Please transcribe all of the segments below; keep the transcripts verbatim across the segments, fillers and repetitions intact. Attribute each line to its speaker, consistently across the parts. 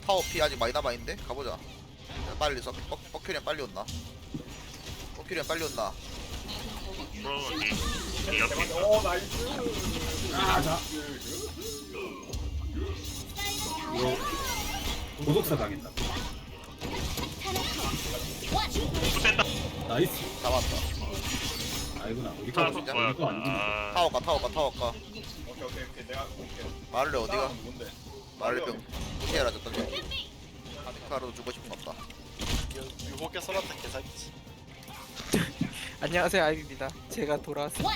Speaker 1: 타워 피 아직 많이 남아있는데? 가보자. 빨리 써. 뻑큐리안 빨리 온나? 뻑큐리안 빨리 온나?
Speaker 2: 프로는 이, 이 옆에 있어.
Speaker 3: 오 나이스.
Speaker 4: 아자 이거 고독사 당했다.
Speaker 2: 붙었다.
Speaker 4: 나이스.
Speaker 1: 잡았다.
Speaker 4: 아이구나 우리 거
Speaker 2: 타워
Speaker 1: 진짜?
Speaker 2: 뭐야?
Speaker 4: 우리 거안 죽네.
Speaker 2: 아,
Speaker 1: 타워 가, 타워 가, 타워 가.
Speaker 3: 오케이 오케이 오케이 내가 볼게.
Speaker 1: 마를레 어디가?
Speaker 3: 뭔데?
Speaker 1: 마를레 병 무시해라 졌다. 아디카로도 주고 싶은 없다.
Speaker 5: 유혹에 쏘았다 개사기지.
Speaker 6: 안녕하세요 아이비입니다. 제가 돌아왔습니다.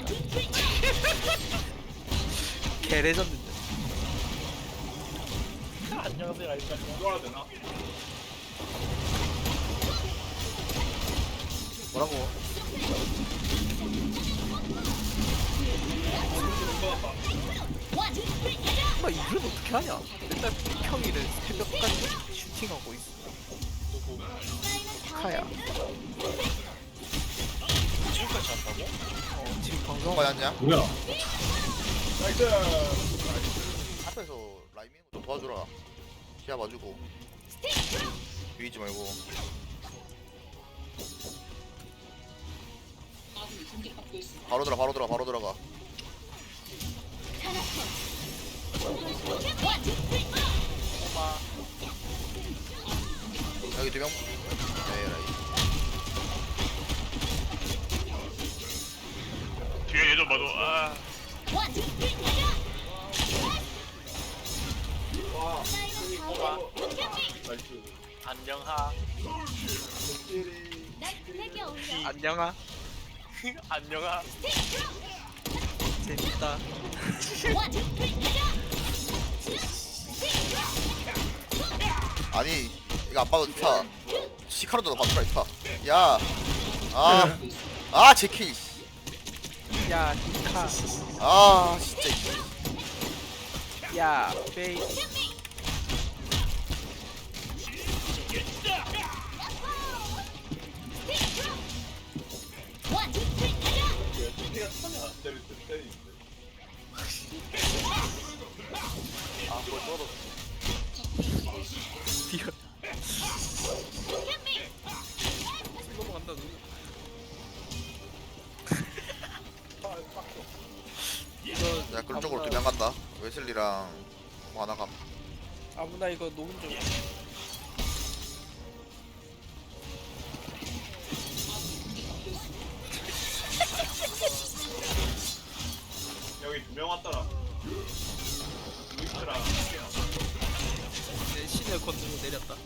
Speaker 6: 개레전드인데.
Speaker 5: 안녕하세요 알까.
Speaker 3: 이거라 되나?
Speaker 1: 뭐라고?
Speaker 6: 엄마 이걸 어떻게 하냐? 맨날 평일에 새벽까지 슈팅하고 있어.
Speaker 5: 누구?
Speaker 6: 카야.
Speaker 5: 지금까지 한다고?
Speaker 6: 어, 지금
Speaker 1: 그런
Speaker 6: 방송
Speaker 1: 거 아니야?
Speaker 4: 뭐야?
Speaker 3: 나이스.
Speaker 1: 앞에서 라이밍 좀 도와주라. 시야 봐주고. 비비지 말고. 바로 들어, 바로 들어, 바로 들어가.
Speaker 5: 엄마.
Speaker 1: 여기 두 명. 네, 라이.
Speaker 2: 뒤에 얘 좀 봐도 아,
Speaker 5: 엄마.
Speaker 3: 나이스.
Speaker 5: 안녕하.
Speaker 6: 안녕하.
Speaker 5: 안녕하.
Speaker 6: 재밌다.
Speaker 1: 아니, 이거 안 봐도 좋다. 시카로도 봐주라, 이타. 야. 아. 아, 제키.
Speaker 6: 야 히카.
Speaker 1: 아, 진짜.
Speaker 6: 야 베이.
Speaker 3: 티가 천이 안 때릴 때 때리는데.
Speaker 1: 아, 그걸 썰어.
Speaker 6: 디어. 넘어간다 누구? 이거
Speaker 1: 야, 그런 쪽으로
Speaker 6: 아무나-
Speaker 1: 두 명 간다. 웨슬리랑 뭐 하나 감.
Speaker 6: 아무나 이거 녹음 좀.
Speaker 3: 여기 두 명 왔더라. 루이스랑
Speaker 6: 내 신의 건드로 내렸다.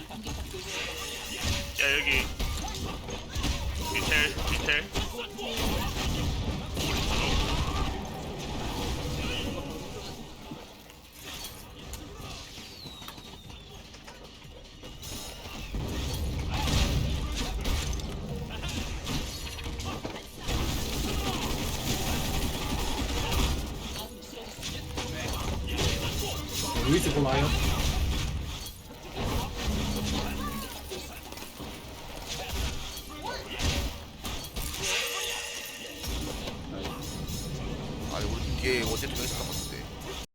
Speaker 2: 야 여기 디텔 디텔.
Speaker 4: 루이스 골라요?
Speaker 1: 아니, 우리 뒤에 어제 두 명 있었던 거